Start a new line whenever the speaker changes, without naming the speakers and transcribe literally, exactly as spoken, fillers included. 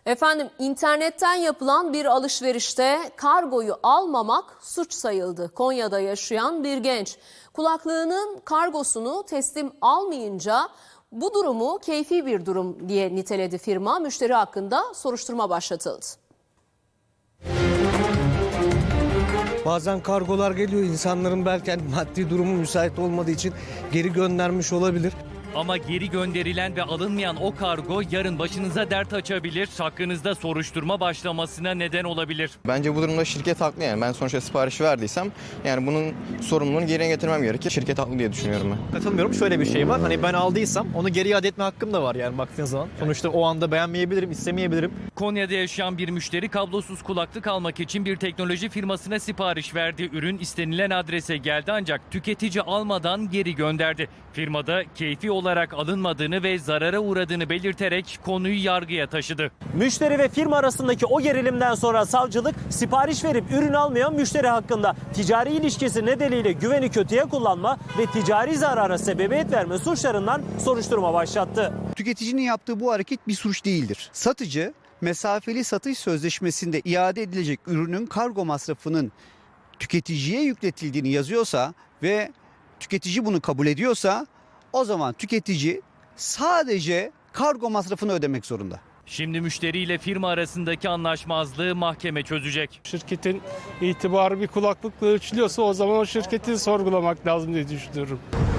Efendim internetten yapılan bir alışverişte kargoyu almamak suç sayıldı. Konya'da yaşayan bir genç kulaklığının kargosunu teslim almayınca bu durumu keyfi bir durum diye niteledi firma. Müşteri hakkında soruşturma başlatıldı.
Bazen kargolar geliyor, insanların belki hani maddi durumu müsait olmadığı için geri göndermiş olabilir.
Ama geri gönderilen ve alınmayan o kargo yarın başınıza dert açabilir, hakkınızda soruşturma başlamasına neden olabilir.
Bence bu durumda şirket haklı yani. Ben sonuçta sipariş verdiysem yani bunun sorumluluğunu geri getirmem gerekir. Şirket haklı diye düşünüyorum ben.
Katılmıyorum. Şöyle bir şey var. Hani ben aldıysam onu geri iade etme hakkım da var yani baktığın zaman. Sonuçta o anda beğenmeyebilirim, istemeyebilirim.
Konya'da yaşayan bir müşteri kablosuz kulaklık almak için bir teknoloji firmasına sipariş verdi. Ürün istenilen adrese geldi ancak tüketici almadan geri gönderdi. Firmada keyfi olarak alınmadığını ve zarara uğradığını belirterek konuyu yargıya taşıdı.
Müşteri ve firma arasındaki o gerilimden sonra savcılık sipariş verip ürün almayan müşteri hakkında ticari ilişkisi nedeniyle güveni kötüye kullanma ve ticari zarara sebebiyet verme suçlarından soruşturma başlattı.
Tüketicinin yaptığı bu hareket bir suç değildir. Satıcı mesafeli satış sözleşmesinde iade edilecek ürünün kargo masrafının tüketiciye yükletildiğini yazıyorsa ve tüketici bunu kabul ediyorsa o zaman tüketici sadece kargo masrafını ödemek zorunda.
Şimdi müşteriyle firma arasındaki anlaşmazlığı mahkeme çözecek.
Şirketin itibarı bir kulaklıkla ölçülüyorsa o zaman o şirketi sorgulamak lazım diye düşünüyorum.